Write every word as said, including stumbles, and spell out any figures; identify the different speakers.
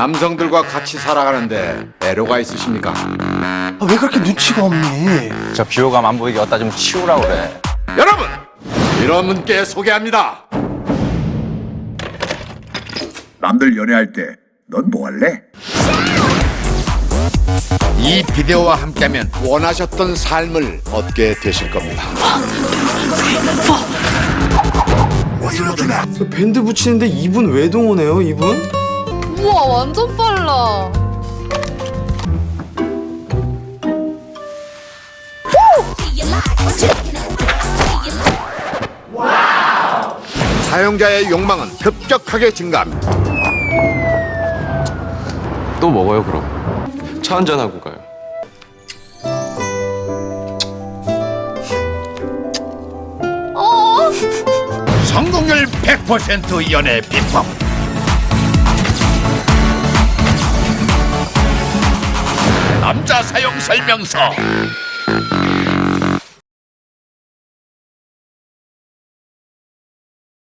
Speaker 1: 남성들과 같이 살아가는데 애로가 있으십니까?
Speaker 2: 아, 왜 그렇게 눈치가 없니?
Speaker 3: 저 비호감 안 보이게 어디다 좀 치우라 그래.
Speaker 1: 여러분! 이런 분께 소개합니다.
Speaker 4: 남들 연애할 때 넌 뭐 할래?
Speaker 1: 이 비디오와 함께하면 원하셨던 삶을 얻게 되실 겁니다.
Speaker 2: 밴드 붙이는데 이분 왜 동원해요, 이분?
Speaker 5: 우와 완전 빨라.
Speaker 1: 사용자의 욕망은 급격하게 증가합니다.
Speaker 6: 또 먹어요 그럼. 차 한잔하고 가요.
Speaker 5: 어?
Speaker 1: 성공률 백 퍼센트 연애 비법. 남자 사용 설명서.